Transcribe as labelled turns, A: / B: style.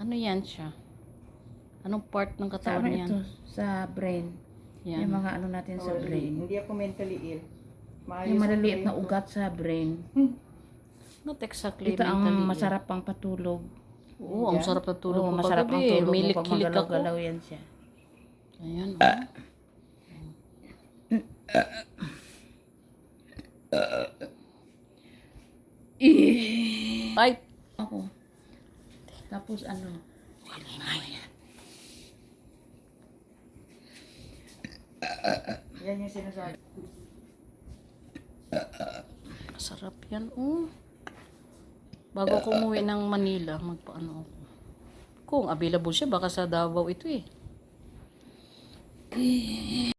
A: Ano yan siya? Anong part ng
B: Sa
A: katawan
B: ano
A: yan?
B: ito? Sa brain.
A: Yan.
B: Yung mga ano natin sa brain.
C: Hindi ako mentally ill. Maayos
B: Yung
C: ang
B: maliliit
C: brain
B: na
C: ko.
B: ugat sa brain.
A: Not exactly
B: Ito ang
A: mentally ill.
B: masarap pang patulog.
A: Oo, ang sarap na tulog
B: Oo,
A: ko
B: masarap ang
A: kagabi.
B: tulog
A: May
B: mo pag
A: likilik ako.
B: magalaw-galaw yan siya.
A: Ayan, oh. Ay!
B: Ako. Tapos ano?
C: Yan yung sinasabi.
A: Masarap yan, oh. Bago ako umuwi ng Manila, magpaano ako. Kung available siya, baka sa Davao ito eh.